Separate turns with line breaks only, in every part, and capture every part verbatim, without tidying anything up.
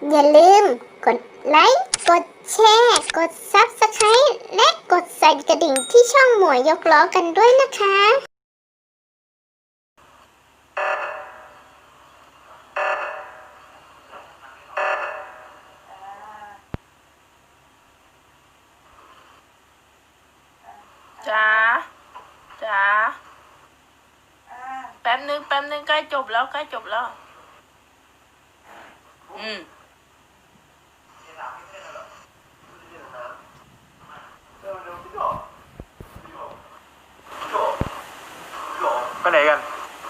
อย่าลืมกดไลค์ กดแชร์ กด ซับสไครบ์ และกดสั่นกระดิ่งที่ช่องหมวยยกล้อกันด้วยนะคะ
จ๋าจ๋าแป๊บนึงแป๊บนึงใกล้จบแล้วใกล้จบแล้วอืม
ไปไหนกัน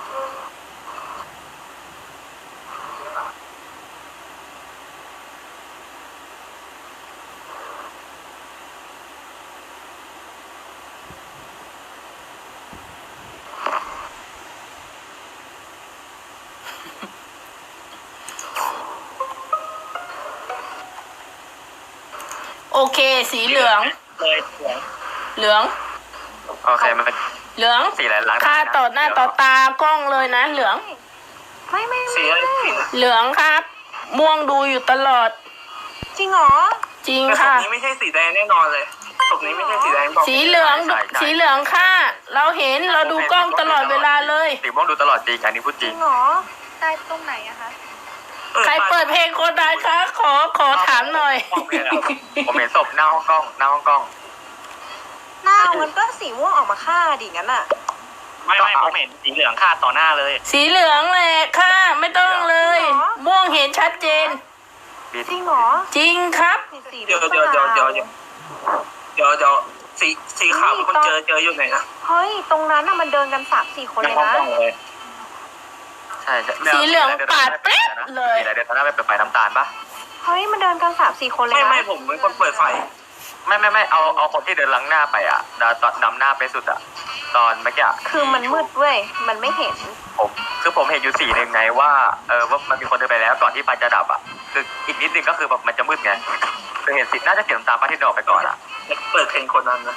โอเคสีเหลือง
เลยเหลือง
เหลือง
โอเคมัน
เหลือง
สีอะไรล้าง
ค่าต่อหน้าต่อตากล้องเลยนะเหลือง
ไม่ไม่
สี
ไม่
อะไรสี
เหลืองครับ ม่วงดูอยู่ตลอด
จริงเหรอ
จริง
แต่ศพ
ค่ะ
นี้ไม่ใช่สีแดงแน่นอนเลยศพนี้ไม่ใช่สีแดงบอก
สีเหลืองสีเหลืองค่ะ เราเห็นเราดูกล้องตลอดเวลาเลย
สีม่วงดูตลอดจริงอันนี้พูดจ
จ
ริ
ริ
ง
งเหรอตายตรงไหนอะคะ
ใครเปิดเพลงโคนใดคะขอขอถามหน่อย
ผมเห็นศพหน้าห้องกล้องหน้าห้องกล้อง
หน้ามันก็สีม่วงออกมาฆ่าดิงั้นอะ
ไม่ไม่ผมเห็นสีเหลืองคาดต่อหน้าเลย
สีเหลืองแหละค่ะไม่ต้องเลย ม่วงเห็นชัดเจน
จริงเหรอ
จริงครับ
สี
เดี๋ยวเดี๋ยวเดี๋ยวเดี๋ยวเดี๋ยวเดี๋ยวเดี๋ยวสีสีขาวเป็นคนเจอเจออยู่ไหนนะ
เฮ้ยตรงนั้นอะมันเดินกันสามสี่คน
ใน
เลย
ห้อง
นะ
กล้องเลย
ใช่ใช่
สีเหลืองปาดเป๊ะเลย
สีอะไรเดินตอนหน้าไปเปิดไฟน้ำตาลปะ
เฮ้ยมันเดินกันสามสี่คนเลย
ไม่
นะ
ไม่ผมเป็นคนเปิดไฟ
ไม่ไม่ไม่เอาเอาคนที่เดินล้างหน้าไปอ่ะดาวตอนนำหน้าไปสุดอ่ะตอนเมื่อกี้
คือมันมืดเว้ยมันไม่เห็น
ผมคือผมเห็นอยู่สีหนึ่งไงว่าเออว่ามันมีคนเดินไปแล้วก่อนที่ไฟจะดับอ่ะคืออีกนิดนึงก็คือแบบมันจะมืดไงคือเห็นสีน่าจะเสียน้ำตาลป้าที่เดินออกไปก่อนอ่ะ
เปิดเพลงคนนั้นนะ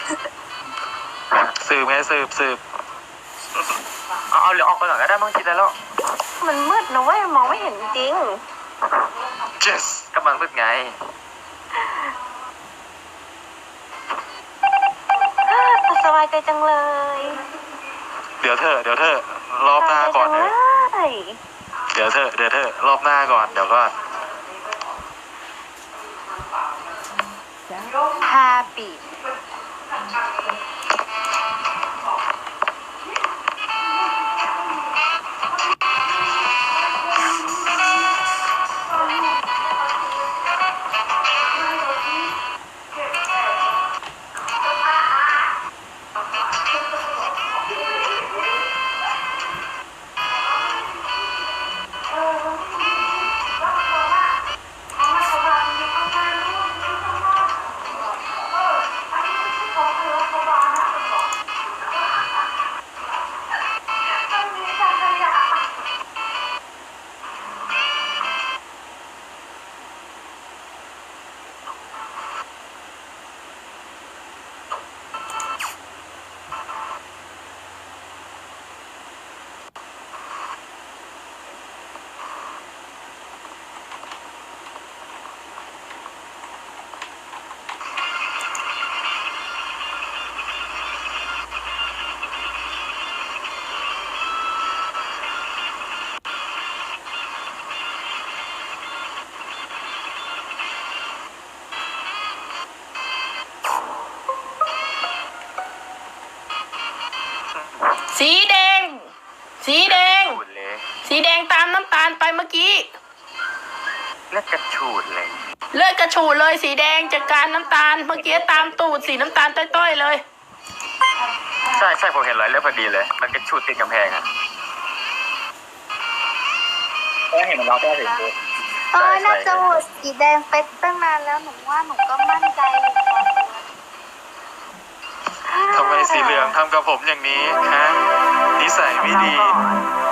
สืบไงสืบสืบเอาเอาเหลืองออกไปก่อนก็ได้บางทีแล้ว
มันมืดนะเว้ยมองไม่เห็นจริง
yes ก็มันมืดไง
สบายใจจังเลย
เดี๋ยวเธอเดี๋ยวเธอรอบหน้าก่อน
เล
เถอะ
ย
เดี๋ยวเธอเดี๋ยวเธอรอบหน้าก่อนเดี๋ยวก่อน
ฮาปี
สีแดง สีแดง
ฉูดเลย
สีแดงตามน้ำตาลไปเมื่อกี้
เลือดกระฉูดเลย
เลือดกระฉูดเลยสีแดงจากการน้ำตาลเมื่อกี้ตามตูดสีน้ำตาลต้อยๆเลย
ใช่ใช่ผมเห็นรอยเลือดพอดีเลย มันกระฉูดติดกำแพงอ่ะ
ก็เห็นมันล็อกได้ถึงตัว
เออน่าจะโหวตสีแดงไปตั้งนานแล้วหนูว่าหนูก็มั่นใจอยู่พอตัว
ทำไมสีเหลืองทำกับผมอย่างนี้ฮะนิสัยไม่ดี
รอก่อน